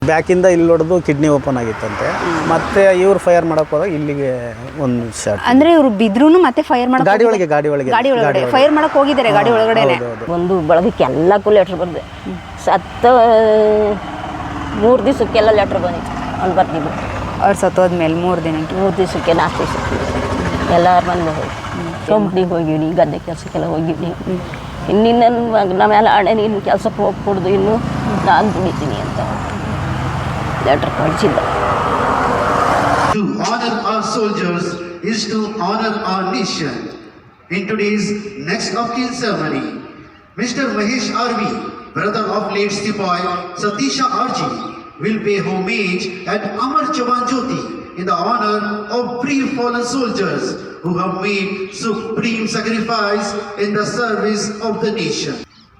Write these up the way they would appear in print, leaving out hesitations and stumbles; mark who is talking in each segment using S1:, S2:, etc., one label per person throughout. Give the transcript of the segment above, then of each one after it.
S1: ಬ್ಯಾಕಿಂದ ಇಲ್ಲಿ ಹೊಡೆದು kidney open ಆಗಿತ್ತಂತೆ. ಮತ್ತೆ ಇವ್ರು ಫೈರ್ ಮಾಡಕ್ ಹೋದಾಗ ಇಲ್ಲಿಗೆ ಒಂದು ಶಾಟ್.
S2: ಅಂದ್ರೆ ಇವರು ಬಿದ್ರು ಮತ್ತೆ ಫೈರ್ ಮಾಡಕ್
S1: ಗಾಡಿ ಒಳಗಡೆ
S2: ಫೈರ್ ಮಾಡಕ್ ಹೋಗಿದ್ದಾರೆ ಗಾಡಿ ಒಳಗಡೆ.
S3: ಒಂದು ಬಳಗಕ್ಕೆ ಎಲ್ಲಕ್ಕೂ ಲೆಟ್ರ್ ಬರ್ದೆ. ಸತ್ತ 3 ದಿವಸಕ್ಕೆಲ್ಲ ಲೆಟ್ರ್ ಬಂದಿತ್ತು. ಅಲ್ಲಿ ಬರ್ತಿದ್ರು
S2: ಅವ್ರು ಸತ್ತೋದ್ಮೇಲೆ 3 ದಿನಕ್ಕೆ
S3: 3 ದಿವಸಕ್ಕೆ 4 ದಿವಸಕ್ಕೆ ಎಲ್ಲರ ಮನೇಲಿ ಹೋಗಿ ಕಂಪ್ನಿಗೆ ಹೋಗಿವ್ನಿ, ಗದ್ದೆ ಕೆಲಸಕ್ಕೆಲ್ಲ ಹೋಗಿವ್ನಿ. ಇನ್ನಿನ್ನ ಮಗನ ಮೇಲೆ ಹಣೆ ನೀನು ಕೆಲಸಕ್ಕೆ ಹೋಗ್ಕೊಡ್ದು, ಇನ್ನು ನಾನು ದುಡಿತೀನಿ ಅಂತ ಲೆಟ್ರ್ ಕಳಿಸಿದ್ದ.
S4: To honor our soldiers is to honor our nation. In today's next of kin ceremony, Mr. Mahesh R.V., brother of late Stipoy Satisha R.G., will pay homage at Amar Jawan Jyoti in the honor of brave fallen soldiers who have made supreme sacrifice in the service of the nation.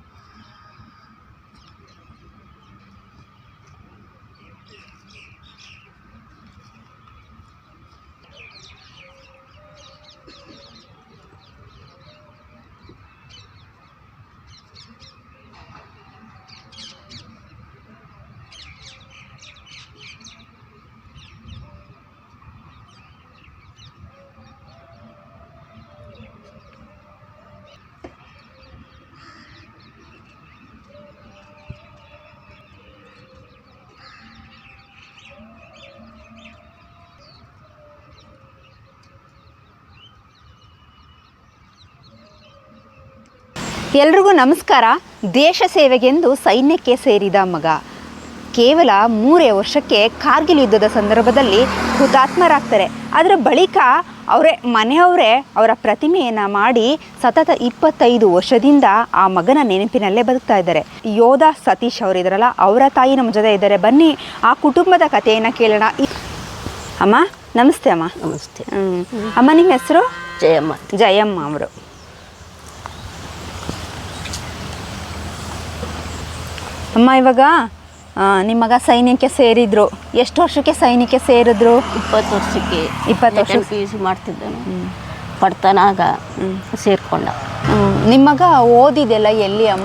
S2: ಎಲ್ರಿಗೂ ನಮಸ್ಕಾರ. ದೇಶ ಸೇವೆಗೆಂದು ಸೈನ್ಯಕ್ಕೆ ಸೇರಿದ ಮಗ ಕೇವಲ 3 ವರ್ಷಕ್ಕೆ ಕಾರ್ಗಿಲ್ ಯುದ್ಧದ ಸಂದರ್ಭದಲ್ಲಿ ಹುತಾತ್ಮರಾಗ್ತಾರೆ. ಅದರ ಬಳಿಕ ಮನೆಯವರೇ ಅವರ ಪ್ರತಿಮೆಯನ್ನು ಮಾಡಿ ಸತತ 25 ವರ್ಷದಿಂದ ಆ ಮಗನ ನೆನಪಿನಲ್ಲೇ ಬದುಕ್ತಾ ಇದ್ದಾರೆ. ಯೋಧ ಸತೀಶ್ ಅವರಿದ್ದಾರಲ್ಲ, ಅವರ ತಾಯಿ ನಮ್ಮ ಜೊತೆ ಇದ್ದಾರೆ. ಬನ್ನಿ ಆ ಕುಟುಂಬದ ಕಥೆಯನ್ನು ಕೇಳೋಣ. ಅಮ್ಮ ನಮಸ್ತೆ. ಅಮ್ಮ
S3: ನಮಸ್ತೆ.
S2: ಅಮ್ಮ ನಿಮ್ಮ ಹೆಸರು?
S3: ಜಯಮ್ಮ.
S2: ಜಯಮ್ಮ ಅವರು. ಅಮ್ಮ ಇವಾಗ ನಿಮ್ಮ ಮಗ ಸೈನ್ಯಕ್ಕೆ ಸೇರಿದ್ರು. ಎಷ್ಟು ವರ್ಷಕ್ಕೆ ಸೈನ್ಯಕ್ಕೆ ಸೇರಿದ್ರು?
S3: 20 ವರ್ಷಕ್ಕೆ.
S2: 20 ವರ್ಷ
S3: PUC ಮಾಡ್ತಿದ್ದಾನೆ. ಪಡ್ತಾನಾಗ ಸೇರ್ಕೊಂಡ.
S2: ನಿಮ್ಮ ಮಗ ಓದಿದೆಲ್ಲ ಎಲ್ಲಿ ಅಮ್ಮ?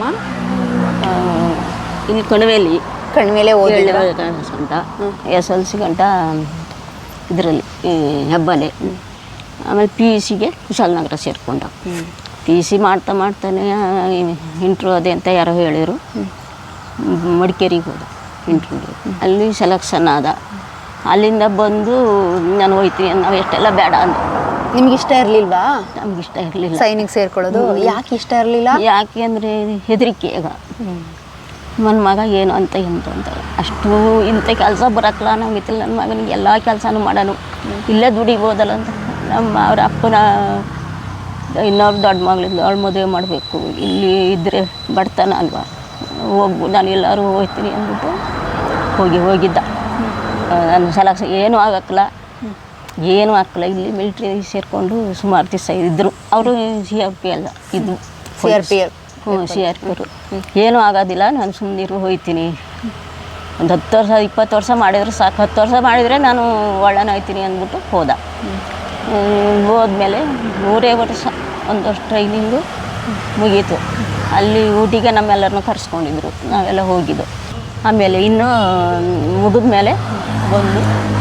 S3: ಇಲ್ಲಿ ಕಣಿವೆಲೆ
S2: ಓದಿ
S3: ಗಂಟ SLC ಗಂಟ ಇದರಲ್ಲಿ ಹೆಬ್ಬಲೆ. ಆಮೇಲೆ PUCಗೆ ಕುಶಾಲನಗರ ಸೇರಿಕೊಂಡ. PUC ಮಾಡ್ತಾನೆ ಇಂಟ್ರ್ಯೂ ಅದೇ ಅಂತ ಯಾರೋ ಹೇಳಿದರು. ಮಡಿಕೇರಿಗೆ ಹೋದ ಇಂಟ್ರ್ಯೂಗೆ. ಅಲ್ಲಿ ಸೆಲೆಕ್ಷನ್ ಆದ. ಅಲ್ಲಿಂದ ಬಂದು ನಾನು ಹೋಯ್ತೀನಿ, ನಾವು ಎಷ್ಟೆಲ್ಲ ಬೇಡ ಅಂದ.
S2: ನಿಮ್ಗೆ ಇಷ್ಟ ಇರಲಿಲ್ವಾ?
S3: ನಮ್ಗೆ ಇಷ್ಟ ಇರಲಿಲ್ಲ
S2: ಸೈನಿಕ ಸೇರ್ಕೊಳ್ಳೋದು. ಯಾಕೆ ಇಷ್ಟ ಇರಲಿಲ್ಲ?
S3: ಯಾಕೆ ಅಂದರೆ ಹೆದರಿಕೆ. ಈಗ ನನ್ನ ಮಗ ಏನು ಅಂತ ಅಂತಾರೆ. ಅಷ್ಟು ಇಂಥ ಕೆಲಸ ಬರೋಕ್ಕಲ್ಲ ನಮಗಿತ್ತಿಲ್ಲ. ನನ್ನ ಮಗನಿಗೆ ಎಲ್ಲ ಕೆಲಸನೂ ಮಾಡೋನು, ಇಲ್ಲೇ ದುಡಿಬೋದಲ್ಲ ಅಂತ ಅವ್ರ ಅಪ್ಪನ ಇನ್ನೊಬ್ಬ ದೊಡ್ಡ ಮಗಳಿದ್ದು ಅವಳು ಮದುವೆ ಮಾಡಬೇಕು, ಇಲ್ಲಿ ಇದ್ದರೆ ಬಡ್ತಾನ ಅಲ್ವಾ, ನಾನು ಎಲ್ಲರೂ ಹೋಗ್ತೀನಿ ಅಂದ್ಬಿಟ್ಟು ಹೋಗಿದ್ದ. ನನ್ನ ಸೆಲೆಕ್ಷನ್ ಏನೂ ಆಗಕ್ಕಲ್ಲ, ಇಲ್ಲಿ ಮಿಲ್ಟ್ರಿ ಸೇರಿಕೊಂಡು ಸುಮಾರು ದಿವಸ ಇದ್ದರು. ಅವರು CRP ಅಲ್ಲ, ಇದು CRP ಅವರು. ಏನೂ ಆಗೋದಿಲ್ಲ, ನಾನು ಸುಮ್ಮನಿರು ಹೋಗ್ತೀನಿ. ಒಂದು 10 ವರ್ಷ 20 ವರ್ಷ ಮಾಡಿದ್ರೆ ಸಾಕು. 10 ವರ್ಷ ಮಾಡಿದರೆ ನಾನು ಒಳ್ಳೆನ ಹೋಗ್ತೀನಿ ಅಂದ್ಬಿಟ್ಟು ಹೋದ. ಹೋದ್ಮೇಲೆ 3 ವರ್ಷ 1 ವರ್ಷ ಟ್ರೈನಿಂಗು ಮುಗೀತು. ಅಲ್ಲಿ ಊಟಿಗೆ ನಮ್ಮೆಲ್ಲರನ್ನೂ ಕರೆಸ್ಕೊಂಡಿದ್ರು, ನಾವೆಲ್ಲ ಹೋಗಿದ್ದು. ಆಮೇಲೆ ಇನ್ನೂ ಮುಗಿದ ಮೇಲೆ ಬಂದು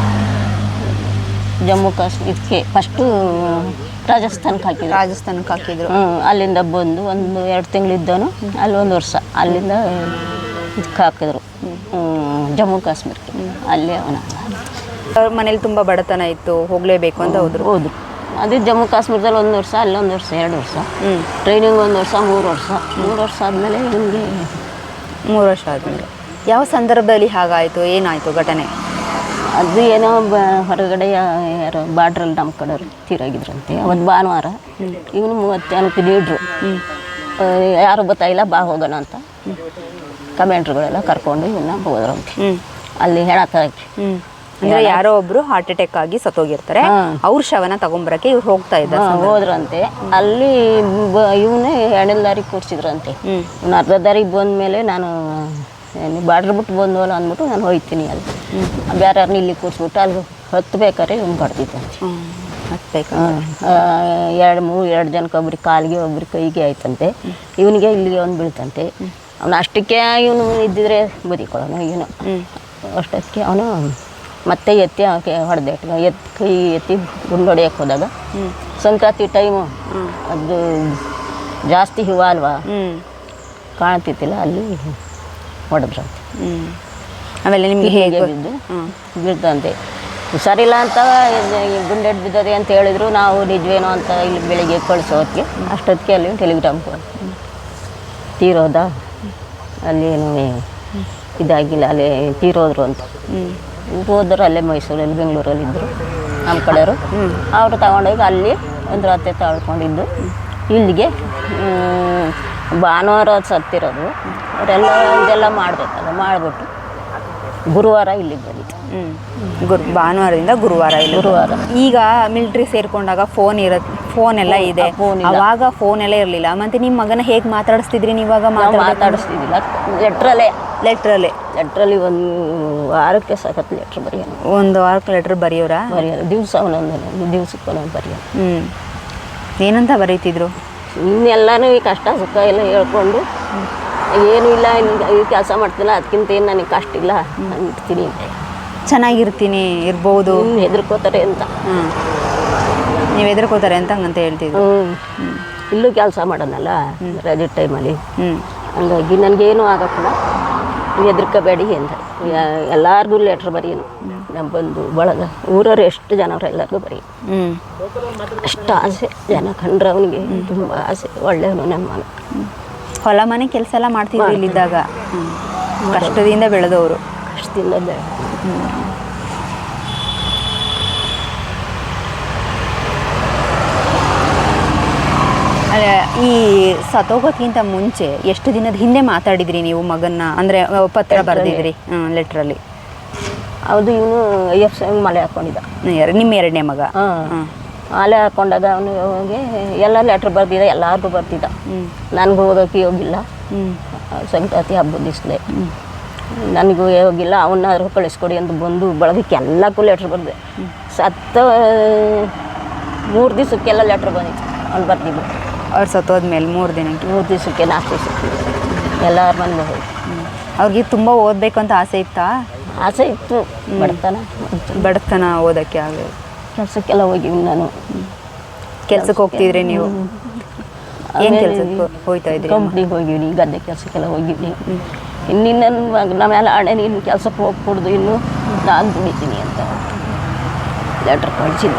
S3: ಜಮ್ಮು ಕಾಶ್ಮೀರಕ್ಕೆ ಫಸ್ಟು ರಾಜಸ್ಥಾನಕ್ಕೆ ಹಾಕಿದ್ರು. ಅಲ್ಲಿಂದ ಬಂದು 1-2 ತಿಂಗಳಿದ್ದನು. ಅಲ್ಲಿ 1 ವರ್ಷ ಅಲ್ಲಿಂದ ಇದಕ್ಕೆ ಹಾಕಿದ್ರು ಜಮ್ಮು ಕಾಶ್ಮೀರಕ್ಕೆ. ಅಲ್ಲೇ
S2: ಅವ್ರ ಮನೇಲಿ ತುಂಬ ಬಡತನ ಇತ್ತು, ಹೋಗಲೇಬೇಕು ಅಂತ ಹೋದ್ರು.
S3: ಅದೇ ಜಮ್ಮು ಕಾಶ್ಮೀರದಲ್ಲಿ 1 ವರ್ಷ, ಅಲ್ಲಿ 1 ವರ್ಷ, 2 ವರ್ಷ ಟ್ರೈನಿಂಗ್, 1 ವರ್ಷ, 3 ವರ್ಷ ಆದಮೇಲೆ ನಿಮಗೆ
S2: 3 ವರ್ಷ ಆದಮೇಲೆ ಯಾವ ಸಂದರ್ಭದಲ್ಲಿ ಹಾಗಾಯಿತು? ಏನಾಯಿತು ಘಟನೆ?
S3: ಅದು ಏನೋ ಹೊರಗಡೆ ಯಾರೋ ಬಾರ್ಡ್ರಲ್ಲಿ ನಮ್ಮ ಕಡೆಯವರು ತೀರಾಗಿದ್ರಂತೆ. ಅವತ್ತು ಭಾನುವಾರ. ಇವನು 30 ಜನಕ್ಕೆ ಲೀಡ್ರು. ಯಾರು ಗೊತ್ತಾಗಿಲ್ಲ, ಬಾ ಹೋಗೋಣ ಅಂತ ಕಮೆಂಟ್ರುಗಳೆಲ್ಲ ಕರ್ಕೊಂಡು ಇವನ್ನ ಹೋದ್ರಂತೆ. ಅಲ್ಲಿ ಹೇಳಕ್ಕೆ
S2: ಅಂದರೆ ಯಾರೋ ಒಬ್ಬರು ಹಾರ್ಟ್ ಅಟ್ಯಾಕ್ ಆಗಿ ಸತ್ತೋಗಿರ್ತಾರೆ, ಅವ್ರ ಶವನ ತಗೊಂಬರಕ್ಕೆ ಇವ್ರು ಹೋಗ್ತಾ ಇದ್ದಾರೆ.
S3: ಹೋದ್ರಂತೆ. ಅಲ್ಲಿ ಇವನೇ ಎಣ್ಣೆ ದಾರಿಗೆ ಕೂರಿಸಿದ್ರಂತೆ. ಇವ್ನು ಅರ್ಧ ದಾರಿಗೆ ಬಂದಮೇಲೆ ನಾನು ಬಾರ್ಡ್ರ್ ಬಿಟ್ಟು ಬಂದವಲ್ಲ ಅಂದ್ಬಿಟ್ಟು ನಾನು ಹೋಗ್ತೀನಿ. ಅಲ್ಲಿ ಬೇರೆ ಯಾರನ್ನ ಇಲ್ಲಿ ಕೂರಿಸ್ಬಿಟ್ಟು ಅಲ್ಲಿ ಹತ್ಬೇಕಾದ್ರೆ ಇವ್ನು ಬಡ್ದಿತ್ತಂತೆ. ಎರಡು ಜನಕ್ಕೆ ಒಬ್ರಿಗೆ ಕಾಲಿಗೆ ಒಬ್ರಿಗೆ ಕೈಗೆ ಆಯ್ತಂತೆ. ಇವನಿಗೆ ಇಲ್ಲಿಗೆ ಒಂದು ಬೀಳ್ತಂತೆ. ಅವನು ಅಷ್ಟಕ್ಕೆ ಇವನು ಇದ್ದಿದ್ರೆ ಬದುಕೊಳ್ಳೋನು. ಇವನು ಅಷ್ಟೊತ್ತಿಗೆ ಅವನು ಮತ್ತೆ ಎತ್ತಿ ಅವಕ್ಕೆ ಹೊಡೆದೆ ಕೈ ಎತ್ತಿ ಗುಂಡು ಹೊಡೆಯಕ್ಕೆ ಹೋದಾಗ ಸಂಕ್ರಾಂತಿ ಟೈಮು ಅದು ಜಾಸ್ತಿ ಹಿಮ ಅಲ್ವಾ ಕಾಣ್ತಿತ್ತಿಲ್ಲ, ಅಲ್ಲಿ ಹೊಡೆದ್ರು.
S2: ಆಮೇಲೆ ನಿಮಗೆ ಹೇಗೆ
S3: ಬಿದ್ದು ಬೀಳ್ತಂತೆ. ಹುಷಾರಿಲ್ಲ ಅಂತ ಗುಂಡೆಡ್ ಬಿದ್ದದೆ ಅಂತ ಹೇಳಿದ್ರು. ನಾವು ನಿಜವೇನೋ ಅಂತ ಇಲ್ಲಿ ಬೆಳಿಗ್ಗೆ ಕಳಿಸೋದಕ್ಕೆ ಅಷ್ಟೊತ್ತಿಗೆ ಅಲ್ಲಿ ಟೆಲಿಗ್ರಾಮ್ ತೀರೋದ ಅಲ್ಲೇನು ಇದಾಗಿಲ್ಲ, ಅಲ್ಲಿ ತೀರೋದ್ರು ಅಂತ. ಹೋದ್ರು ಅಲ್ಲೇ ಮೈಸೂರಲ್ಲಿ ಬೆಂಗಳೂರಲ್ಲಿ ಇದ್ದರು ನಮ್ಮ ಕಡೆಯವರು. ಅವರು ತಗೊಂಡೋಗಿ ಅಲ್ಲಿ ಒಂದು ರಾತ್ರಿ ತಳ್ಕೊಂಡಿದ್ದು ಇಲ್ಲಿಗೆ ಭಾನುವಾರ ಸತ್ತಿರೋದು. ಅವರೆಲ್ಲ ಇದೆಲ್ಲ ಮಾಡಬೇಕಲ್ಲ, ಮಾಡಿಬಿಟ್ಟು ಗುರುವಾರ ಇಲ್ಲಿಗೆ ಬಂದಿತ್ತು.
S2: ಭಾನುವಾರದಿಂದ ಗುರುವಾರ ಈಗ ಮಿಲಿಟ್ರಿ ಸೇರ್ಕೊಂಡಾಗ ಫೋನ್ ಎಲ್ಲ ಇದೆ, ಅವಾಗ ಫೋನ್ ಎಲ್ಲ ಇರಲಿಲ್ಲ. ಮತ್ತೆ ನಿಮ್ಮ ಮಗನ ಹೇಗೆ ಮಾತಾಡಿಸ್ತಿದ್ರಿ ನೀವಾಗ?
S3: ಮಾತಾಡಿಸ್ತಿದ್ದಿಲ್ಲ, ಲೆಟ್ರಲ್ಲಿ ಒಂದು ವಾರಕ್ಕೆ ಸಖತ್ ಲೆಟ್ರ್ ಬರೆಯೋಣ.
S2: ಒಂದು ವಾರಕ್ಕೆ ಲೆಟ್ರ್ ಬರೆಯೋರಾ?
S3: ದಿವಸ ಒಂದೊಂದು ದಿವ್ಸಕ್ಕೆ ಒಂದೊಂದು ಬರೆಯೋಣ.
S2: ಏನಂತ ಬರೀತಿದ್ರು?
S3: ಇನ್ನೆಲ್ಲನೂ ಈ ಕಷ್ಟ ಸುಖ ಎಲ್ಲ ಹೇಳ್ಕೊಂಡು, ಏನೂ ಇಲ್ಲ ಈ ಕೆಲಸ ಮಾಡ್ತಿಲ್ಲ, ಅದಕ್ಕಿಂತ ಏನು ನನಗೆ ಕಷ್ಟ ಇಲ್ಲ ಅಂತೀನಿ,
S2: ಚೆನ್ನಾಗಿರ್ತೀನಿ ಇರ್ಬೋದು,
S3: ಹೆದರ್ಕೋತಾರೆ ಅಂತ.
S2: ನೀವು ಹೆದರ್ಕೋತಾರೆ ಅಂತ ಹಂಗಂತ ಹೇಳ್ತಿದ್ರು.
S3: ಇಲ್ಲೂ ಕೆಲಸ ಮಾಡೋಣಲ್ಲ ರಜೆ ಟೈಮಲ್ಲಿ, ಹಂಗಾಗಿ ನನಗೇನು ಆಗಕ್ಕಿಲ್ಲ, ಹೆದರ್ಕೋಬೇಡಿ ಅಂತ ಎಲ್ಲರಿಗೂ ಲೆಟ್ರ್ ಬರೀನು. ನಮ್ಮ ಬಂದು ಬಳಗ ಊರವ್ರು ಎಷ್ಟು ಜನವ್ರು ಎಲ್ಲರಿಗೂ ಬರೀ. ಅಷ್ಟು ಆಸೆ, ಜನ ಕಂಡ್ರೆ ಅವನಿಗೆ ತುಂಬ ಆಸೆ, ಒಳ್ಳೆಯವನು ನಮ್ಮ ಮನೆ.
S2: ಹೊಲ ಮನೆ ಕೆಲಸ ಎಲ್ಲ ಮಾಡ್ತಿದ್ರು ಇಲ್ಲಿದ್ದಾಗ? ಕಷ್ಟದಿಂದ ಬೆಳೆದವರು.
S3: ಕಷ್ಟದಿಂದ
S2: ಈ ಸತ್ತೋಗೋಕ್ಕಿಂತ ಮುಂಚೆ ಎಷ್ಟು ದಿನದ ಹಿಂದೆ ಮಾತಾಡಿದ್ರಿ ನೀವು ಮಗನ್ನ? ಅಂದರೆ ಪತ್ರ ಬರೆದಿದ್ರಿ ಲೆಟ್ರಲ್ಲಿ?
S3: ಹೌದು, ಇವನು IF ಮಾಲೆ ಹಾಕ್ಕೊಂಡಿದ್ದ,
S2: ನಿಮ್ಮ ಎರಡನೇ ಮಗ.
S3: ಮಾಲೆ ಹಾಕ್ಕೊಂಡಾಗ ಅವನಿಗೆ ಎಲ್ಲ ಲೆಟ್ರ್ ಬರ್ದಿದ್ದ, ಎಲ್ಲರಿಗೂ ಬರ್ತಿದ್ದ. ನನಗೂ ಓದೋಕ್ಕೆ ಹೋಗಿಲ್ಲ, ಸಂಕ್ರಾಂತಿ ಹಬ್ಬದ ದಿವಸಲೇ ನನಗೂ ಹೋಗಿಲ್ಲ, ಅವನ್ನಾದ್ರೂ ಕಳಿಸ್ಕೊಡಿ ಅಂತ ಬಂದು ಬಳಗಕ್ಕೆ ಎಲ್ಲಕ್ಕೂ ಲೆಟ್ರ್ ಬರ್ದೆ. ಸತ್ತ 3 ದಿವಸಕ್ಕೆಲ್ಲ ಲೆಟ್ರ್ ಬಂದಿತ್ತು, ಅವ್ನು ಬರ್ತಿದ್ದು.
S2: ಅವ್ರು ಸತ್ತೋದ್ಮೇಲೆ 3 ದಿನಕ್ಕೆ,
S3: 3 ದಿವಸಕ್ಕೆ 4 ದಿವಸಕ್ಕೆ ಎಲ್ಲರ ಮನೆಗೆ ಹೋಗಿ.
S2: ಅವ್ರಿಗೆ ತುಂಬ ಓದಬೇಕು ಅಂತ ಆಸೆ ಇತ್ತಾ?
S3: ಆಸೆ ಇತ್ತು,
S2: ಬಡತನ ಓದೋಕ್ಕೆ ಆಗಲಿ.
S3: ಕೆಲಸಕ್ಕೆಲ್ಲ ಹೋಗಿವಿ ನಾನು.
S2: ಕೆಲ್ಸಕ್ಕೆ ಹೋಗ್ತಿದ್ರಿ ನೀವು? ಏನು ಕೆಲಸಕ್ಕೆ ಹೋಗ್ತಾ ಇದ್ರಿ?
S3: ಕಂಪ್ನಿಗೆ ಹೋಗಿವಿ, ಗದ್ದೆ ಕೆಲಸಕ್ಕೆಲ್ಲ ಹೋಗಿವಿ. ಇನ್ನಿನ್ನ ನಮ್ಮ ಮೇಲೆ ಹಣೆ ನೀನು ಕೆಲಸಕ್ಕೆ ಹೋಗ್ಕೊಡ್ದು, ಇನ್ನು ನಾನು ದುಡಿತೀನಿ ಅಂತ ಲೆಟ್ರ್ ಕಳಿಸಿದ್ದ.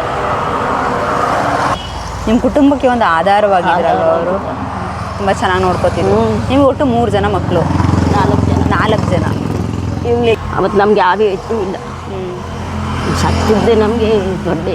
S2: ನಿಮ್ಮ ಕುಟುಂಬಕ್ಕೆ ಒಂದು ಆಧಾರವಾಗಿದ್ರಲ್ಲ ಅವರು, ತುಂಬ ಚೆನ್ನಾಗಿ ನೋಡ್ಕೋತಿದ್ರು. ನಿಮ್ಗೆ ಒಟ್ಟು 3 ಜನ ಮಕ್ಕಳು? 4 ಜನ.
S3: ಇವ್ಲಿ ಅವತ್ತು ನಮಗೆ ಯಾರೂ ಹೆಚ್ಚು ಇಲ್ಲ, ಸತ್ತಿದ್ದೆ ನಮಗೆ ದೊಡ್ಡ.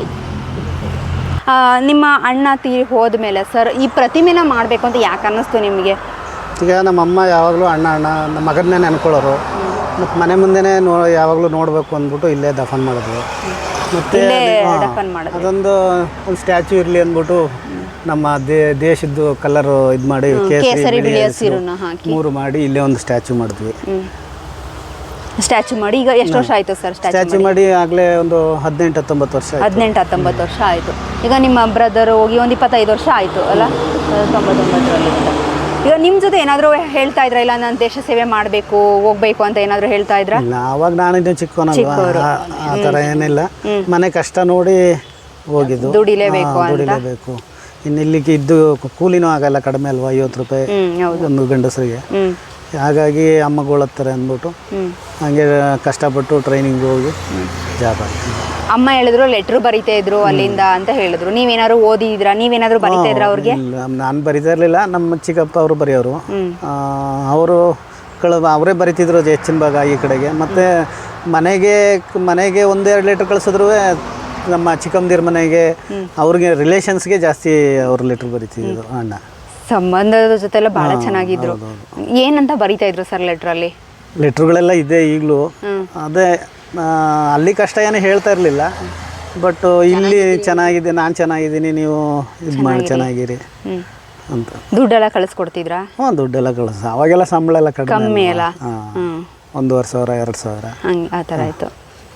S2: ನಿಮ್ಮ ಅಣ್ಣ ತೀರಿ ಹೋದ್ಮೇಲೆ ಸರ್ ಈ ಪ್ರತಿಮೆನ ಮಾಡಬೇಕು ಅಂತ ಯಾಕೆ ಅನ್ನಿಸ್ತು ನಿಮಗೆ?
S1: ಈಗ ನಮ್ಮಮ್ಮ ಯಾವಾಗಲೂ ಅಣ್ಣ ನಮ್ಮ ಮಗನ್ನೇ ನೆನ್ಕೊಳ್ಳೋರು. ಮತ್ತು ಮನೆ ಮುಂದೆನೇ ಯಾವಾಗಲೂ ನೋಡಬೇಕು ಅಂದ್ಬಿಟ್ಟು ಇಲ್ಲೇ ದಫನ್ ಮಾಡಿದ್ವಿ. ಮತ್ತು ಅದೊಂದು ಸ್ಟ್ಯಾಚ್ಯೂ ಇರಲಿ ಅಂದ್ಬಿಟ್ಟು ನಮ್ಮ ದೇಶದ್ದು ಕಲರು ಇದು ಮಾಡಿ ಕೇಸರಿ ಬಿಳಿ ಹಸಿರು 3 ಮಾಡಿ ಇಲ್ಲೇ ಒಂದು ಸ್ಟ್ಯಾಚ್ಯೂ ಮಾಡಿದ್ವಿ.
S2: ಸ್ಟ್ಯಾಚ್ಯೂ ಮಾಡಿ ಈಗ ಎಷ್ಟು ವರ್ಷ ಆಯಿತು ಸರ್?
S1: ಸ್ಟ್ಯಾಚ್ಯೂ ಮಾಡಿ ಆಗಲೇ ಒಂದು 18-19 ವರ್ಷ.
S2: 18-19 ವರ್ಷ ಆಯಿತು. ಈಗ ನಿಮ್ಮ ಬ್ರದರ್ ಹೋಗಿ ಒಂದು 25 ವರ್ಷ ಆಯಿತು ಅಲ್ಲ, 99ರಲ್ಲಿ. ಈಗ ನಿಮ್ಮ ಜೊತೆ ಏನಾದರೂ ಹೇಳ್ತಾ ಇದ್ರಾ, ಇಲ್ಲ ನಾನು ದೇಶ ಸೇವೆ ಮಾಡಬೇಕು ಹೋಗ್ಬೇಕು ಅಂತ ಏನಾದರೂ ಹೇಳ್ತಾ ಇದ್ರಾ?
S1: ಇಲ್ಲ, ಅವಾಗ ನಾನಿದ್ದು ಚಿಕ್ಕವನಲ್ವಾ, ಆ ಥರ ಏನಿಲ್ಲ. ಮನೆ ಕಷ್ಟ ನೋಡಿ ಹೋಗಿದ್ದು, ದುಡಿಲೇಬೇಕು. ಇನ್ನು ಇಲ್ಲಿಗೆ ಇದ್ದು ಕೂಲಿನೂ ಆಗಲ್ಲ, ಕಡಿಮೆ ಅಲ್ವಾ, 50 ರೂಪಾಯಿ ಒಂದು ಗಂಡಸರಿಗೆ. ಹಾಗಾಗಿ ಅಮ್ಮಗೊಳತ್ತಾರೆ ಅಂದ್ಬಿಟ್ಟು ಹಾಗೆ ಕಷ್ಟಪಟ್ಟು ಟ್ರೈನಿಂಗ್ ಹೋಗಿ ಜಾಬ್ ಆಯ್ತು.
S2: ಅಮ್ಮ ಹೇಳಿದ್ರು ಲೆಟ್ರ್ ಬರಿತಾ ಇದ್ರು ಅಲ್ಲಿಂದ ಅಂತ ಹೇಳಿದ್ರು. ನೀವೇನಾದ್ರು ಓದಿದ್ರಾ? ನೀವೇನಾದ್ರು ಬರಿತಾ ಇದ್ರ ಅವ್ರಿಗೆ?
S1: ನಾನು ಬರಿತಾ ಇರಲಿಲ್ಲ, ನಮ್ಮ ಚಿಕ್ಕಪ್ಪ ಅವರು ಬರೆಯೋರು. ಅವರು ಅವರೇ ಬರಿತಿದ್ರು ಹೆಚ್ಚಿನ ಭಾಗ ಈ ಕಡೆಗೆ. ಮತ್ತು ಮನೆಗೆ 1-2 ಲೆಟ್ರ್ ಕಳಿಸಿದ್ರು ನಮ್ಮ ಚಿಕ್ಕಮ್ಮದಿರ ಮನೆಗೆ, ಅವ್ರಿಗೆ ರಿಲೇಷನ್ಸ್ಗೆ ಜಾಸ್ತಿ ಅವ್ರು ಲೆಟ್ರ್ ಬರಿತಿದ್ರು. ಅಣ್ಣ
S2: ಸಂಬಂಧದ ಜೊತೆ ಎಲ್ಲ ಭಾಳ ಚೆನ್ನಾಗಿದ್ರು. ಏನಂತ ಬರಿತಾ ಇದ್ರು ಸರ್ ಲೆಟ್ರಲ್ಲಿ?
S1: ಲೆಟ್ರುಗಳೆಲ್ಲ ಇದೆ ಈಗಲೂ. ಅದೇ ಅಲ್ಲಿ ಕಷ್ಟ ಏನು ಹೇಳ್ತಾ ಇರಲಿಲ್ಲ, ಬಟ್ ಇಲ್ಲಿ ಚೆನ್ನಾಗಿದೆ, ನಾನು ಚೆನ್ನಾಗಿದ್ದೀನಿ, ನೀವು ಇದು ಮಾಡಿ ಚೆನ್ನಾಗಿರಿ ಅಂತ.
S2: ದುಡ್ಡೆಲ್ಲ ಕಳಿಸ್ಕೊಡ್ತಿದ್ರಾ?
S1: ದುಡ್ಡೆಲ್ಲ ಕಳಿಸ್. ಅವಾಗೆಲ್ಲ ಸಂಬಳ ಎಲ್ಲ
S2: ಕಮ್ಮಿ ಅಲ್ಲ,
S1: 1,500 2,000
S2: ಹಂಗೆ ಆ ಥರ ಆಯಿತು.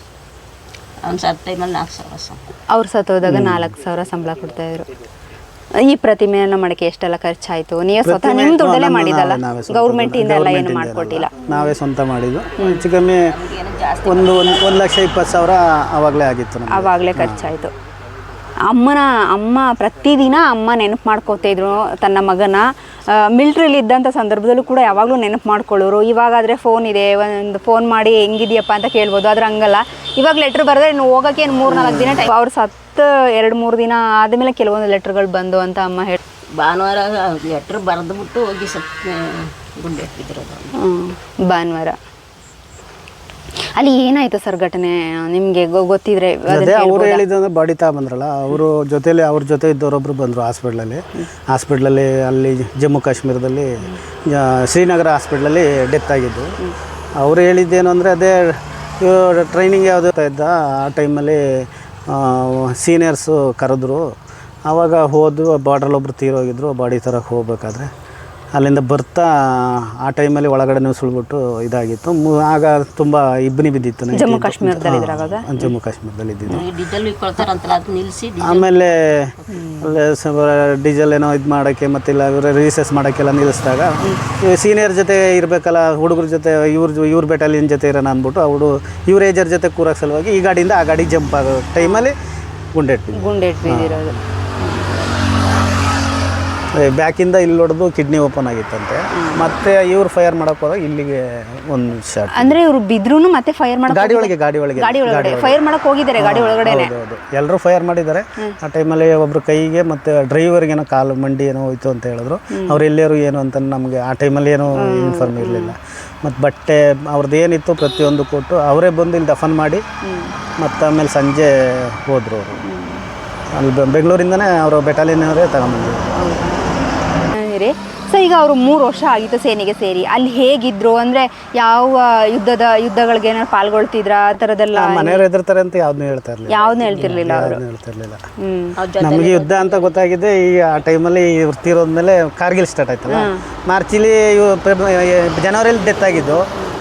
S3: ಅವ್ನು ಸತ್ತ ಟೈಮಲ್ಲಿ 4,000
S2: ಅವ್ರು ಸತ್ತೋದಾಗ 4,000 ಸಂಬಳ ಕೊಡ್ತಾಯಿದ್ರು. ಈ ಪ್ರತಿಮೆಯನ್ನು ಮಾಡಕ್ಕೆ ಎಷ್ಟೆಲ್ಲ ಖರ್ಚಾಯ್ತು? ನೀವು ಸ್ವತಃ ನಿಮ್ಮ ದುಡ್ಡಲ್ಲೇ ಮಾಡಿದಲ್ಲ, ಗೌರ್ಮೆಂಟ್ ಇಂದ ಎಲ್ಲ ಏನು ಮಾಡ್ಕೊಟ್ಟಿಲ್ಲ?
S1: ನಾವೇ ಸ್ವಂತ ಮಾಡಿದ್ದು. ಹೆಚ್ಚು ಕಮ್ಮಿ 1,20,000 ಆವಾಗಲೇ ಆಗಿತ್ತು ನಮ್ಗೆ.
S2: ಆವಾಗಲೇ ಖರ್ಚಾಯಿತು. ಅಮ್ಮ ಪ್ರತಿದಿನ ಅಮ್ಮ ನೆನಪು ಮಾಡ್ಕೋತಿದ್ರು ತನ್ನ ಮಗನ. ಮಿಲ್ಟ್ರಿಲಿ ಇದ್ದಂಥ ಸಂದರ್ಭದಲ್ಲೂ ಕೂಡ ಯಾವಾಗಲೂ ನೆನಪು ಮಾಡ್ಕೊಳ್ಳೋರು. ಇವಾಗಾದರೆ ಫೋನ್ ಇದೆ, ಒಂದು ಫೋನ್ ಮಾಡಿ ಹೆಂಗಿದೆಯಪ್ಪ ಅಂತ ಕೇಳ್ಬೋದು. ಆದ್ರೆ ಹಂಗಲ್ಲ, ಇವಾಗ ಲೆಟ್ರ್ ಬರೆದ್ರೆ ಇನ್ನು ಹೋಗೋಕ್ಕೆ 3-4 ದಿನ ಟೈಮ್. ಅವ್ರು ಸತ್ತು 2-3 ದಿನ ಆದಮೇಲೆ ಕೆಲವೊಂದು ಲೆಟ್ರ್ಗಳು ಬಂದು ಅಂತ ಅಮ್ಮ ಹೇಳಿ.
S3: ಭಾನುವಾರ ಲೆಟ್ರ್ ಬರೆದ್ಬಿಟ್ಟು ಹೋಗಿ ಗುಂಡೆ ಇಟ್ಟಿದ್ರು.
S2: ಭಾನುವಾರ ಅಲ್ಲಿ ಏನಾಯ್ತು ಸರ್ ಘಟನೆ ನಿಮಗೆ ಗೊತ್ತಿದ್ರೆ?
S1: ಅದೇ ಅವ್ರು ಹೇಳಿದಂದ್ರೆ ಬಾಡಿ ಬಂದ್ರಲ್ಲ, ಅವರು ಜೊತೆಲಿ ಅವ್ರ ಜೊತೆ ಇದ್ದವರೊಬ್ರು ಬಂದರು ಹಾಸ್ಪಿಟ್ಲಲ್ಲಿ ಅಲ್ಲಿ ಜಮ್ಮು ಕಾಶ್ಮೀರದಲ್ಲಿ ಶ್ರೀನಗರ ಹಾಸ್ಪಿಟ್ಲಲ್ಲಿ ಡೆತ್ ಆಗಿದ್ದು. ಅವ್ರು ಹೇಳಿದ್ದೇನು ಅಂದರೆ ಅದೇ ಟ್ರೈನಿಂಗ್ ಯಾವುದೋ ಇದ್ದ ಆ ಟೈಮಲ್ಲಿ ಸೀನಿಯರ್ಸು ಕರೆದ್ರು. ಆವಾಗ ಹೋದ್ವು, ಬಾರ್ಡ್ರಲ್ಲೊಬ್ರು ತೀರೋಗಿದ್ರು. ಬಾಡಿ ತರಕ್ಕೆ ಹೋಗ್ಬೇಕಾದ್ರೆ ಅಲ್ಲಿಂದ ಬರ್ತಾ ಆ ಟೈಮಲ್ಲಿ ಒಳಗಡೆ ಸುಳ್ಬಿಟ್ಟು ಇದಾಗಿತ್ತು. ಆಗ ತುಂಬ ಇಬ್ಬನಿ ಬಿದ್ದಿತ್ತು.
S2: ಜಮ್ಮು ಕಾಶ್ಮೀರದಲ್ಲಿ
S1: ಇದ್ದಿದ್ದು. ಆಮೇಲೆ ಡೀಸೆಲ್ ಏನೋ ಇದು ಮಾಡೋಕ್ಕೆ ಮತ್ತಿಲ್ಲ ರೀಸೆಸ್ ಮಾಡೋಕ್ಕೆಲ್ಲ ನಿಲ್ಲಿಸಿದಾಗ ಸೀನಿಯರ್ ಜೊತೆ ಇರಬೇಕಲ್ಲ, ಹುಡುಗರ ಜೊತೆ ಇವ್ರ ಬೆಟಾಲಿಯನ್ ಜೊತೆ ಇರೋಣ ಅಂದ್ಬಿಟ್ಟು ಅವರು ಇವ್ರ ಏಜರ್ ಜೊತೆ ಕೂರಕ್ಕೆ ಸಲುವಾಗಿ ಈ ಗಾಡಿಯಿಂದ ಆ ಗಾಡಿ ಜಂಪ್ ಆಗೋ ಟೈಮಲ್ಲಿ ಗುಂಡೆ ಬಿದ್ದಿರೋದು. ಬ್ಯಾಕಿಂದ ಇಲ್ಲಿ ಹೊಡೆದು ಕಿಡ್ನಿ ಓಪನ್ ಆಗಿತ್ತಂತೆ. ಮತ್ತೆ ಇವ್ರು ಫೈರ್ ಮಾಡಕ್ಕೆ ಹೋದಾಗ ಇಲ್ಲಿಗೆ ಒಂದು ಶಾಟ್.
S2: ಅಂದ್ರೆ ಇವರು ಬಿದ್ರೂ ಮತ್ತೆ ಫೈರ್ ಮಾಡಕ್ಕೆ
S1: ಗಾಡಿ ಒಳಗೆ
S2: ಫೈರ್ ಮಾಡಕ್ಕೆ ಹೋಗಿದ್ದಾರೆ. ಗಾಡಿ ಒಳಗಡೆ
S1: ಎಲ್ಲರೂ ಫೈರ್ ಮಾಡಿದ್ದಾರೆ. ಆ ಟೈಮಲ್ಲಿ ಒಬ್ರು ಕೈಗೆ ಮತ್ತೆ ಡ್ರೈವರ್ಗೆ ಏನೋ ಕಾಲು ಮಂಡಿ ಏನೋ ಹೋಯ್ತು ಅಂತ ಹೇಳಿದ್ರು. ಅವ್ರು ಎಲ್ಲರೂ ಏನು ಅಂತ ನಮಗೆ ಆ ಟೈಮಲ್ಲಿ ಏನೋ ಇನ್ಫಾರ್ಮ್ ಇರಲಿಲ್ಲ. ಮತ್ತು ಬಟ್ಟೆ ಅವ್ರದ್ದು ಏನಿತ್ತು ಪ್ರತಿಯೊಂದು ಕೊಟ್ಟು ಅವರೇ ಬಂದು ಇಲ್ಲಿ ದಫನ್ ಮಾಡಿ ಮತ್ತು ಆಮೇಲೆ ಸಂಜೆ ಹೋದರು. ಅವರು ಅಲ್ಲಿ ಬೆಂಗಳೂರಿಂದನೇ ಅವರು ಬೆಟಾಲಿಯನ್ನವರೇ ತಗೊಂಬಂದರು.
S2: ಸೊ ಈಗ ಅವರು 3 ವರ್ಷ ಆಗಿತ್ತು ಸೇನೆಗೆ ಸೇರಿ. ಅಲ್ಲಿ ಹೇಗಿದ್ರು ಅಂದರೆ ಯಾವ ಯುದ್ಧಗಳಿಗೆ ಏನಾದ್ರು ಪಾಲ್ಗೊಳ್ತಿದ್ರ ಆ ಥರದ್ದೆಲ್ಲ?
S1: ಮನೆಯವ್ರು ಹೆದರ್ತಾರೆ ಅಂತ ಯಾವ್ದನ್ನೂ ಹೇಳ್ತಿರ್ಲಿಲ್ಲ. ನಮಗೆ ಯುದ್ಧ ಅಂತ ಗೊತ್ತಾಗಿದೆ ಈ ಆ ಟೈಮಲ್ಲಿ ಇವ್ರು ತೀರೋದ್ಮೇಲೆ ಕಾರ್ಗಿಲ್ ಸ್ಟಾರ್ಟ್ ಆಯ್ತಲ್ಲ. ಮಾರ್ಚಲ್ಲಿ ಜನವರಿಯಲ್ಲಿ ಡೆತ್ ಆಗಿದ್ದು.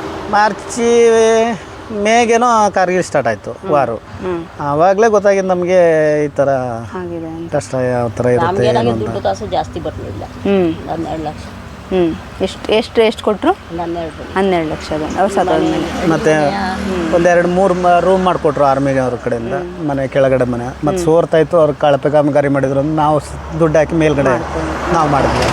S1: ಮೇಗೇನೋ ಕಾರ್ಗಿಲ್ ಸ್ಟಾರ್ಟ್ ಆಯಿತು ವಾರು. ಆವಾಗಲೇ ಗೊತ್ತಾಗಿದ್ದು ನಮಗೆ ಈ ಥರ ಕಷ್ಟ ಯಾವ ಥರ ಇರುತ್ತೆ.
S3: ದುಡ್ಡು ಕಾಸು ಜಾಸ್ತಿ ಬರಲಿಲ್ಲ. 12 ಲಕ್ಷ.
S2: ಎಷ್ಟು ಕೊಟ್ಟರು? 12 ಲಕ್ಷ. ಅವ್ರು ಸತ್ತೋದ್ಮೇಲೆ
S1: ಮತ್ತೆ 2-3 ರೂಮ್ ಮಾಡಿಕೊಟ್ರು ಆರ್ಮಿಗೆ ಅವ್ರ ಕಡೆಯಿಂದ. ಮನೆ ಕೆಳಗಡೆ ಮನೆ ಮತ್ತು ಸೋರ್ತಾಯಿತ್ತು. ಅವ್ರು ಕಳಪೆ ಕಾಮಗಾರಿ ಮಾಡಿದ್ರು ಅಂದ್ರೆ ನಾವು ದುಡ್ಡು ಹಾಕಿ ಮೇಲ್ಗಡೆ ನಾವು ಮಾಡಿದ್ವಿ.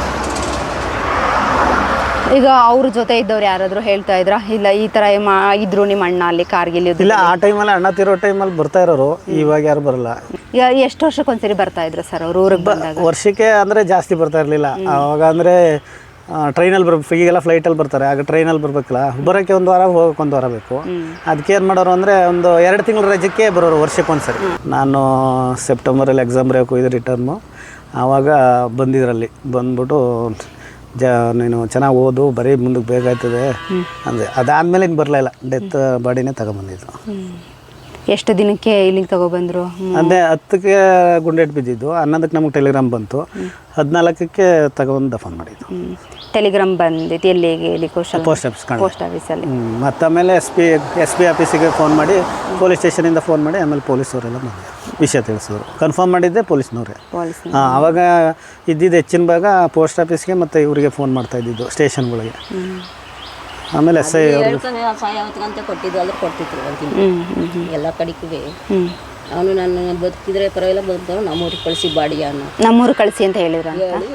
S2: ಈಗ ಅವ್ರ ಜೊತೆ ಇದ್ದವ್ರು ಯಾರಾದರೂ ಹೇಳ್ತಾ ಇದ್ರ ಇಲ್ಲ ಈ ಥರ ಇದ್ರು ನಿಮ್ಮ ಅಣ್ಣ ಅಲ್ಲಿ ಕಾರ್ಗಿಲ್?
S1: ಇಲ್ಲ, ಆ ಟೈಮಲ್ಲಿ ಅಣ್ಣ ತೀರೋ ಟೈಮಲ್ಲಿ ಬರ್ತಾ ಇರೋರು. ಇವಾಗ ಯಾರು ಬರಲ್ಲ.
S2: ಈಗ ಎಷ್ಟು ವರ್ಷಕ್ಕೊಂದ್ಸರಿ ಬರ್ತಾ ಇದ್ರು ಸರ್ ಅವ್ರು ಊರಿಗೆ ಬಂದಾಗ?
S1: ವರ್ಷಕ್ಕೆ ಅಂದರೆ ಜಾಸ್ತಿ ಬರ್ತಾ ಇರಲಿಲ್ಲ. ಆವಾಗ ಅಂದರೆ ಟ್ರೈನಲ್ಲಿ ಬರ್ಬೇಕು. ಈಗೆಲ್ಲ ಫ್ಲೈಟಲ್ಲಿ ಬರ್ತಾರೆ, ಆಗ ಟ್ರೈನಲ್ಲಿ ಬರಬೇಕಲ್ಲ. ಬರೋಕ್ಕೆ 1 ವಾರ, ಹೋಗೋಕೆ 1 ವಾರ ಬೇಕು. ಅದಕ್ಕೆ ಏನು ಮಾಡೋರು ಅಂದರೆ ಒಂದು 2 ತಿಂಗಳ ರಜಕ್ಕೆ ಬರೋರು ವರ್ಷಕ್ಕೊಂದ್ಸರಿ. ನಾನು ಸೆಪ್ಟೆಂಬರಲ್ಲಿ ಎಕ್ಸಾಮ್ ಬರೆಯೋಕೆ ಹೋಗಿದ್ದೆ ರಿಟರ್ನು. ಆವಾಗ ಬಂದಿದ್ರಲ್ಲಿ ಬಂದ್ಬಿಟ್ಟು ನೀನು ಚೆನ್ನಾಗಿ ಓದು, ಬರೀ ಮುಂದಕ್ಕೆ ಬೇಕಾಗ್ತದೆ ಅಂದರೆ ಅದಾದಮೇಲೆ ಇನ್ನು ಬರಲಿಲ್ಲ. ಡೆತ್ ಬಾಡಿನೇ ತಗೊಂಬಂದಿದ್ದು.
S2: ಎಷ್ಟು ದಿನಕ್ಕೆ ಇಲ್ಲಿಗೆ ತಗೊಬಂದರು?
S1: ಅದೇ 10ಕ್ಕೆ ಗುಂಡೇಟ್ ಬಿದ್ದಿದ್ದು. 11ಕ್ಕೆ ನಮಗೆ ಟೆಲಿಗ್ರಾಮ್ ಬಂತು. 14ಕ್ಕೆ ತಗೊಂಡು ದಫನ್ ಮಾಡಿದ್ದು.
S2: ಟೆಲಿಗ್ರಾಮ್ ಬಂದಿತ್ತು ಎಲ್ಲಿಗೆ? ಪೋಸ್ಟ್ ಆಫೀಸಲ್ಲಿ.
S1: ಮತ್ತು ಆಮೇಲೆ ಎಸ್ ಪಿ ಆಫೀಸಿಗೆ ಫೋನ್ ಮಾಡಿ, ಪೊಲೀಸ್ ಸ್ಟೇಷನಿಂದ ಫೋನ್ ಮಾಡಿ ಆಮೇಲೆ ಪೊಲೀಸವರೆಲ್ಲ ಬಂದು ವಿಷಯ ತಿಳಿಸಿದ್ರು. ಕನ್ಫರ್ಮ್ ಮಾಡಿದ್ದೆ ಪೊಲೀಸ್ನವರೇ. ಆವಾಗ ಇದ್ದಿದ್ದು ಹೆಚ್ಚಿನ ಭಾಗ ಪೋಸ್ಟ್ ಆಫೀಸ್ಗೆ ಮತ್ತು ಇವರಿಗೆ ಫೋನ್ ಮಾಡ್ತಾ ಇದ್ದಿದ್ದು ಸ್ಟೇಷನ್ಗಳಿಗೆ. ಆಮೇಲೆ ಎಸ್ ಐ ಅವರು
S3: ಕೊಟ್ಟಿದ್ದು ಅದ್ರ ಕೊಡ್ತಿದ್ರು ಎಲ್ಲ ಕಡೆಗೆ. ಅವನು ನಾನು ಬದುಕಿದ್ರೆ ಪರವಾಗಿಲ್ಲ, ಬದುಕಿದ್ರು ನಮ್ಮೂರಿಗೆ ಕಳಿಸಿ ಬಾಡಿಯ
S2: ನಮ್ಮೂರು ಕಳಿಸಿ ಅಂತ ಹೇಳಿದ್ರು.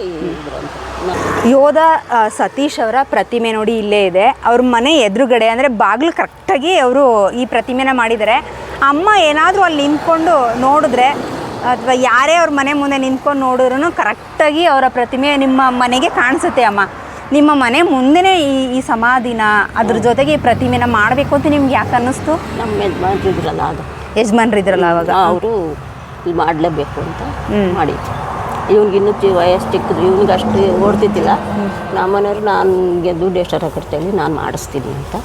S2: ಯೋಧ ಸತೀಶ್ ಅವರ ಪ್ರತಿಮೆ ನೋಡಿ ಇಲ್ಲೇ ಇದೆ. ಅವ್ರ ಮನೆ ಎದುರುಗಡೆ ಅಂದರೆ ಬಾಗಿಲು ಕರೆಕ್ಟಾಗಿ ಅವರು ಈ ಪ್ರತಿಮೆನ ಮಾಡಿದ್ದಾರೆ. ಅಮ್ಮ ಏನಾದರೂ ಅಲ್ಲಿ ನಿಂತ್ಕೊಂಡು ನೋಡಿದ್ರೆ ಅಥವಾ ಯಾರೇ ಅವ್ರ ಮನೆ ಮುಂದೆ ನಿಂತ್ಕೊಂಡು ನೋಡಿದ್ರು ಕರೆಕ್ಟಾಗಿ ಅವರ ಪ್ರತಿಮೆ ನಿಮ್ಮ ಮನೆಗೆ ಕಾಣಿಸುತ್ತೆ. ಅಮ್ಮ, ನಿಮ್ಮ ಮನೆ ಮುಂದೆನೇ ಈ ಸಮಾಧಿನ ಅದ್ರ ಜೊತೆಗೆ ಈ ಪ್ರತಿಮೆನ ಮಾಡಬೇಕು ಅಂತ ನಿಮ್ಗೆ ಯಾಕೆ ಅನ್ನಿಸ್ತು?
S3: ನಮ್ಮ ಯಜಮಾನ್ರಿದ್ರಲ್ಲ, ಅದು
S2: ಯಜಮಾನ್ರಿದ್ರಲ್ಲ ಅವಾಗ,
S3: ಅವರು ಇಲ್ಲಿ ಮಾಡಲೇಬೇಕು ಅಂತ ಮಾಡಿದ್ರು. ಇವ್ನಿಗಿನ್ನೂ ವಯಸ್ಸು ಚಿಕ್ಕದು, ಇವ್ನಿಗೆ ಅಷ್ಟು ಓಡ್ತಿದ್ದಿಲ್ಲ. ನಮ್ಮ ಮನೆಯವರು ನನಗೆ ದುಡ್ಡು ಎಷ್ಟಾರ ಕೊಡ್ತೇಳಿ ನಾನು ಮಾಡಿಸ್ತೀನಿ ಅಂತ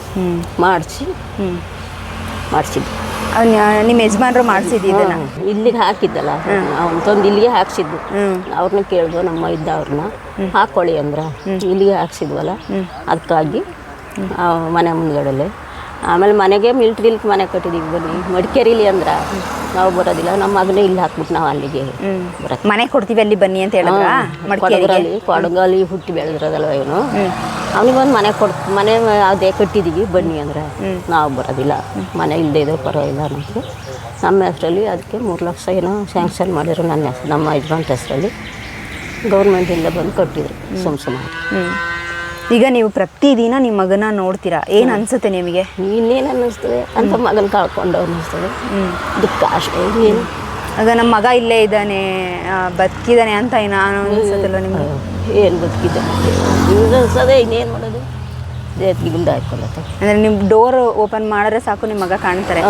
S3: ಮಾಡಿಸಿದ್ದು.
S2: ನಿಮ್ಮ ಯಜಮಾನ್ರು ಮಾಡಿಸಿದ್ದು
S3: ಇಲ್ಲಿಗೆ ಹಾಕಿದ್ದಲ್ಲ, ಅವ್ನು ತಂದು ಇಲ್ಲಿಗೆ ಹಾಕ್ಸಿದ್ದು. ಅವ್ರನ್ನ ಕೇಳಿದ್ವು, ನಮ್ಮ ಇದ್ದವ್ರನ್ನ ಹಾಕ್ಕೊಳ್ಳಿ ಅಂದ್ರೆ ಇಲ್ಲಿಗೆ ಹಾಕ್ಸಿದ್ವಲ್ಲ, ಅದಕ್ಕಾಗಿ ಮನೆ ಮುಂದ್ಗಡೆಲೆ ಆಮೇಲೆ ಮನೆಗೆ ಮಿಲ್ಟ್ರಿಲಿ ಮನೆ ಕಟ್ಟಿದ್ದೀವಿ ಬನ್ನಿ ಮಡಿಕೇರಿಲಿ ಅಂದ್ರೆ ನಾವು ಬರೋದಿಲ್ಲ ನಮ್ಮ ಮಗನೇ ಇಲ್ಲಿ ಹಾಕ್ಬಿಟ್ಟು ನಾವು ಅಲ್ಲಿಗೆ ಬರೋದು.
S2: ಮನೆ ಕೊಡ್ತೀವಿ ಅಲ್ಲಿ ಬನ್ನಿ ಅಂತ ಹೇಳಿದ್ರ
S3: ಕೊಡಗರಲ್ಲಿ ಕೊಡಗಲ್ಲಿ ಹುಟ್ಟಿ ಬೆಳೆದಿರೋದಲ್ವ ಇವನು ಅವನಿಗೊಂದು ಮನೆ ಅದೇ ಕಟ್ಟಿದ್ದೀವಿ ಬನ್ನಿ ಅಂದರೆ ನಾವು ಬರೋದಿಲ್ಲ ಮನೆ ಇಲ್ಲದೆ ಇದ್ರೆ ಪರವಾಗಿಲ್ಲ ನಮಗೆ ನಮ್ಮ ಹೆಸರಲ್ಲಿ ಅದಕ್ಕೆ 3 ಲಕ್ಷ ಏನೋ ಸ್ಯಾಂಕ್ಷನ್ ಮಾಡಿದ್ರು ನನ್ನ ಹೆಸರು ನಮ್ಮ ಯಜಮಾನ್ ಹೆಸರಲ್ಲಿ ಗೌರ್ಮೆಂಟಿಂದ ಬಂದು ಕಟ್ಟಿದ್ರು ಸುಮಾರು.
S2: ಈಗ ನೀವು ಪ್ರತಿದಿನ ನಿಮ್ಮ ಮಗನ ನೋಡ್ತೀರಾ, ಏನು ಅನ್ಸುತ್ತೆ ನಿಮಗೆ?
S3: ಇನ್ನೇನು ಅನ್ನಿಸ್ತದೆ ಅಂತ ಮಗನ ಕಳ್ಕೊಂಡು ಅನ್ನಿಸ್ತದೆ, ದುಃಖ ಅಷ್ಟೇ ಏನು.
S2: ಆಗ ನಮ್ಮ ಮಗ ಇಲ್ಲೇ ಇದ್ದಾನೆ ಬದುಕಿದ್ದಾನೆ ಅಂತ ನಾನು ಅನ್ಸುತ್ತಲ್ಲ ನಿಮಗೆ?
S3: ಏನು ಬದುಕಿದ್ದಾನೆ ಹಿಂಗೆ ಅನ್ಸೋದೆ, ಇನ್ನೇನು ಮಾಡೋದು, ದೇಹಕ್ಕೆ ಗುಂಡ ಹಾಕೊಳ್ಳುತ್ತೆ.
S2: ಅಂದರೆ ನಿಮ್ಮ ಡೋರ್ ಓಪನ್ ಮಾಡಿದ್ರೆ ಸಾಕು ನಿಮ್ಮ ಮಗ ಕಾಣ್ತಾರೆ,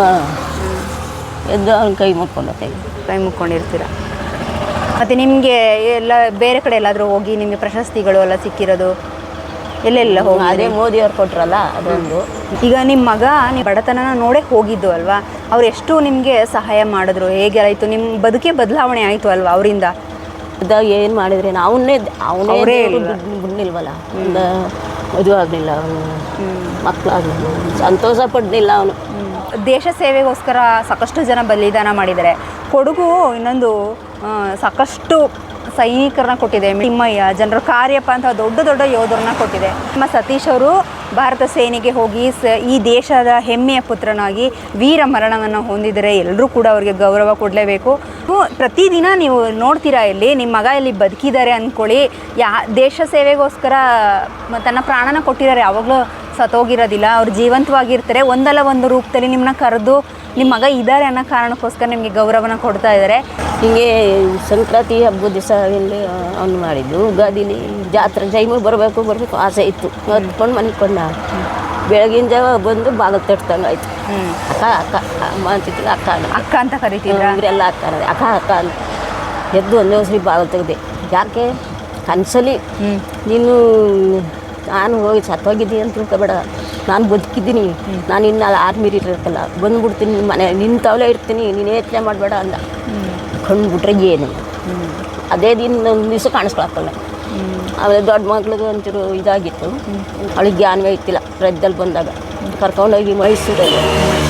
S3: ಎದ್ದು ಅವ್ನ ಕೈ ಮುಟ್ಕೊಂಡತ್ತೆ,
S2: ಕೈ ಮುಕ್ಕೊಂಡಿರ್ತೀರ. ಮತ್ತು ನಿಮಗೆ ಎಲ್ಲ ಬೇರೆ ಕಡೆ ಎಲ್ಲಾದರೂ ಹೋಗಿ ನಿಮಗೆ ಪ್ರಶಸ್ತಿಗಳು ಎಲ್ಲ ಸಿಕ್ಕಿರೋದು ಎಲ್ಲೆಲ್ಲ ಹೋಗಿ?
S3: ಅದೇ ಮೋದಿಯವ್ರು ಕೊಟ್ರಲ್ಲ ಅದೊಂದು.
S2: ಈಗ ನಿಮ್ಮ ಮಗ ನೀವು ಬಡತನನ ನೋಡೇ ಹೋಗಿದ್ದು ಅಲ್ವಾ, ಅವ್ರು ಎಷ್ಟು ನಿಮಗೆ ಸಹಾಯ ಮಾಡಿದ್ರು, ಹೇಗೆ ಆಯಿತು ನಿಮ್ಮ ಬದುಕೇ ಬದಲಾವಣೆ ಆಯಿತು ಅಲ್ವಾ ಅವರಿಂದ?
S3: ಅದಾಗ ಏನು ಮಾಡಿದ್ರೆ ಅವನೇ ಬಿಡ್ನಿಲ್ವಲ್ಲ, ಒಂದು ಮದುವೆ ಆಗಲಿಲ್ಲ, ಮಕ್ಕಳಾಗಲಿಲ್ಲ, ಸಂತೋಷ ಪಡಲಿಲ್ಲ ಅವನು.
S2: ದೇಶ ಸೇವೆಗೋಸ್ಕರ ಸಾಕಷ್ಟು ಜನ ಬಲಿದಾನ ಮಾಡಿದ್ದಾರೆ. ಕೊಡಗು ಇನ್ನೊಂದು ಸಾಕಷ್ಟು ಸೈನಿಕರನ್ನ ಕೊಟ್ಟಿದೆ, ತಿಮ್ಮಯ್ಯ, ಜನರಲ್ ಕಾರ್ಯಪ್ಪ ಅಂತ ದೊಡ್ಡ ದೊಡ್ಡ ಯೋಧರನ್ನ ಕೊಟ್ಟಿದೆ. ನಮ್ಮ ಸತೀಶ್ ಅವರು ಭಾರತ ಸೇನೆಗೆ ಹೋಗಿ ಈ ದೇಶದ ಹೆಮ್ಮೆಯ ಪುತ್ರನಾಗಿ ವೀರ ಮರಣವನ್ನು ಹೊಂದಿದರೆ ಎಲ್ಲರೂ ಕೂಡ ಅವರಿಗೆ ಗೌರವ ಕೊಡಲೇಬೇಕು. ಪ್ರತಿದಿನ ನೀವು ನೋಡ್ತೀರಾ ಇಲ್ಲಿ ನಿಮ್ಮ ಮಗ ಇಲ್ಲಿ ಬದುಕಿದ್ದಾರೆ ಅಂದ್ಕೊಳ್ಳಿ, ದೇಶ ಸೇವೆಗೋಸ್ಕರ ತನ್ನ ಪ್ರಾಣನ ಕೊಟ್ಟಿದ್ದಾರೆ, ಯಾವಾಗಲೂ ಸತ್ತೋಗಿರೋದಿಲ್ಲ, ಅವ್ರು ಜೀವಂತವಾಗಿರ್ತಾರೆ. ಒಂದಲ್ಲ ಒಂದು ರೂಪದಲ್ಲಿ ನಿಮ್ಮನ್ನ ಕರೆದು ನಿಮ್ಮ ಮಗ ಇದ್ದಾರೆ ಅನ್ನೋ ಕಾರಣಕ್ಕೋಸ್ಕರ ನಿಮಗೆ ಗೌರವನ ಕೊಡ್ತಾ ಇದ್ದಾರೆ.
S3: ಹೀಗೆ ಸಂಕ್ರಾಂತಿ ಹಬ್ಬದ ದಿವಸ ಇಲ್ಲಿ ಅವ್ನು ಮಾಡಿದ್ದು, ಯುಗಾದಿಲಿ ಜಾತ್ರೆ ಟೈಮಿಗೆ ಬರಬೇಕು ಆಸೆ ಇತ್ತು, ಹೊತ್ಕೊಂಡು ಮನಿಕೊಂಡ. ಬೆಳಗಿನ ಜಾವ ಬಂದು ಬಾಗಿಲು ತಟ್ತಂಗೆ ಆಯ್ತು. ಅಕ್ಕ ಅಮ್ಮ ಅಂತಿತ್ತು, ಅಕ್ಕ
S2: ಅಂತ ಕರಿತಿದ್ರು,
S3: ಇವರೆಲ್ಲ ಅಕ್ಕ ಅಂತ ಎದ್ದು ಒಂದೇ ಸರಿ ಬಾಗಿಲು ತೆಗೆದೆ. ಯಾಕೆ ಕನಸಲ್ಲಿ ನೀನು ನಾನು ಹೋಗಿ ಸತ್ತೋಗಿದ್ದೀನಿ ಅಂತ ತಿಳ್ಕೊಬೇಡ, ನಾನು ಬದುಕಿದ್ದೀನಿ, ನಾನು ಇನ್ನು ಆರ್ಮಿರಿ ಇರಬೇಕಲ್ಲ, ಬಂದುಬಿಡ್ತೀನಿ ಮನೆ ನಿನ್ನ ತವಲೆ ಇರ್ತೀನಿ, ನೀನು ಯೋಚನೆ ಮಾಡಬೇಡ ಅಂದ. ಕಂಡುಬಿಟ್ರೆ ಏನು ಅದೇ ದಿನ ಒಂದು ದಿವಸ ಕಾಣಿಸ್ಕೊಳಕ್ಕಲ್ಲ. ಆಮೇಲೆ ದೊಡ್ಡ ಮಕ್ಳಿಗೆ ಒಂಚೂರು ಇದಾಗಿತ್ತು, ಅವಳಿಗೆ ಜ್ಞಾನವೇ ಇತ್ತಿಲ್ಲ. ರಜದಲ್ಲಿ ಬಂದಾಗ ಕರ್ಕೊಂಡೋಗಿ ಮೈಸೂರಲ್ಲಿ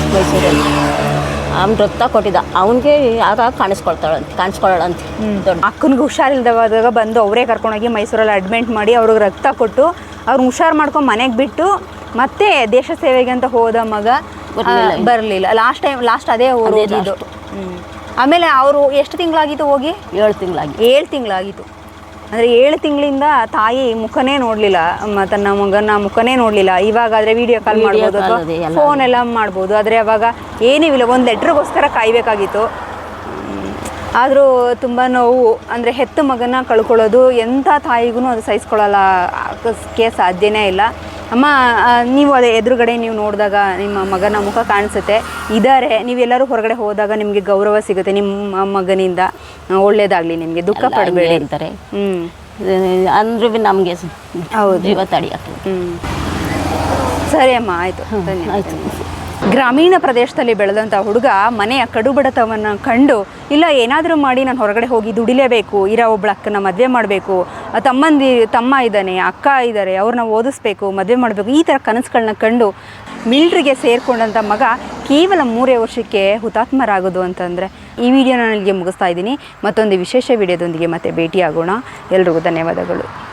S3: ಅವ್ನು ರಕ್ತ ಕೊಟ್ಟಿದ್ದ, ಅವನಿಗೆ ಆಗ ಕಾಣಿಸ್ಕೊಳ್ಳೋಳಂತ.
S2: ದೊಡ್ಡ ಅಕ್ಕನಿಗೆ ಹುಷಾರಿಲ್ದವಾಗ ಬಂದು ಅವರೇ ಕರ್ಕೊಂಡೋಗಿ ಮೈಸೂರಲ್ಲಿ ಅಡ್ಮಿಟ್ ಮಾಡಿ ಅವ್ರಿಗೆ ರಕ್ತ ಕೊಟ್ಟು ಅವ್ರನ್ನ ಹುಷಾರು ಮಾಡ್ಕೊಂಡು ಮನೆಗೆ ಬಿಟ್ಟು ಮತ್ತೆ ದೇಶ ಸೇವೆಗೆ ಅಂತ ಹೋದ ಮಗ ಬರಲಿಲ್ಲ. ಲಾಸ್ಟ್ ಅದೇ ಹೋಗಿದ್ದು. ಆಮೇಲೆ ಅವರು ಎಷ್ಟು ತಿಂಗಳಾಗಿತ್ತು ಹೋಗಿ?
S3: 7
S2: ತಿಂಗಳಾಗಿತ್ತು. ಅಂದರೆ 7 ತಿಂಗಳಿಂದ ತಾಯಿ ಮುಖನೇ ನೋಡಲಿಲ್ಲ, ತನ್ನ ಮಗನ ಮುಖನೇ ನೋಡಲಿಲ್ಲ. ಇವಾಗಾದರೆ ವಿಡಿಯೋ ಕಾಲ್ ಮಾಡ್ಬೋದು ಅಥವಾ ಫೋನ್ ಎಲ್ಲ ಮಾಡ್ಬೋದು, ಆದರೆ ಅವಾಗ ಏನಿಲ್ಲ, ಒಂದು ಲೆಟ್ರಿಗೋಸ್ಕರ ಕಾಯಬೇಕಾಗಿತ್ತು. ಆದರೂ ತುಂಬ ನೋವು. ಅಂದರೆ ಹೆತ್ತ ಮಗನ ಕಳ್ಕೊಳ್ಳೋದು ಎಂಥ ತಾಯಿಗೂ ಅದು ಸಹಿಸ್ಕೊಳ್ಳೋಕ್ಕೆ ಸಾಧ್ಯನೇ ಇಲ್ಲ. ಅಮ್ಮ, ನೀವು ಅದೇ ಎದುರುಗಡೆ ನೀವು ನೋಡಿದಾಗ ನಿಮ್ಮ ಮಗನ ಮುಖ ಕಾಣಿಸುತ್ತೆ, ಇದ್ದಾರೆ. ನೀವೆಲ್ಲರೂ ಹೊರಗಡೆ ಹೋದಾಗ ನಿಮಗೆ ಗೌರವ ಸಿಗುತ್ತೆ ನಿಮ್ಮ ಮಗನಿಂದ. ಒಳ್ಳೇದಾಗಲಿ, ನಿಮಗೆ ದುಃಖ ಪಡಬೇಡಿ
S3: ಅಂತಾರೆ. ಅಂದ್ರೂ ನಮಗೆ
S2: ಹೌದು,
S3: ಜೀವ ತಡೆಯೋಕ್ಕೆ.
S2: ಸರಿ ಅಮ್ಮ, ಆಯಿತು, ಆಯಿತು. ಗ್ರಾಮೀಣ ಪ್ರದೇಶದಲ್ಲಿ ಬೆಳೆದಂಥ ಹುಡುಗ ಮನೆಯ ಕಡುಬಡತವನ್ನು ಕಂಡು, ಇಲ್ಲ ಏನಾದರೂ ಮಾಡಿ ನಾನು ಹೊರಗಡೆ ಹೋಗಿ ದುಡಿಲೇಬೇಕು, ಇರೋ ಒಬ್ಬಳ ಅಕ್ಕನ ಮದುವೆ ಮಾಡಬೇಕು, ತಮ್ಮ ಇದ್ದಾನೆ, ಅಕ್ಕ ಇದ್ದಾರೆ, ಅವ್ರನ್ನ ಓದಿಸ್ಬೇಕು, ಮದುವೆ ಮಾಡಬೇಕು, ಈ ಥರ ಕನಸುಗಳನ್ನ ಕಂಡು ಮಿಲ್ಟ್ರಿಗೆ ಸೇರಿಕೊಂಡಂಥ ಮಗ ಕೇವಲ 3 ವರ್ಷಕ್ಕೆ ಹುತಾತ್ಮರಾಗೋದು ಅಂತಂದರೆ, ಈ ವಿಡಿಯೋನ ನಾನು ಇಲ್ಲಿಗೆ ಮುಗಿಸ್ತಾ ಇದ್ದೀನಿ. ಮತ್ತೊಂದು ವಿಶೇಷ ವಿಡಿಯೋದೊಂದಿಗೆ ಮತ್ತೆ ಭೇಟಿಯಾಗೋಣ. ಎಲ್ರಿಗೂ ಧನ್ಯವಾದಗಳು.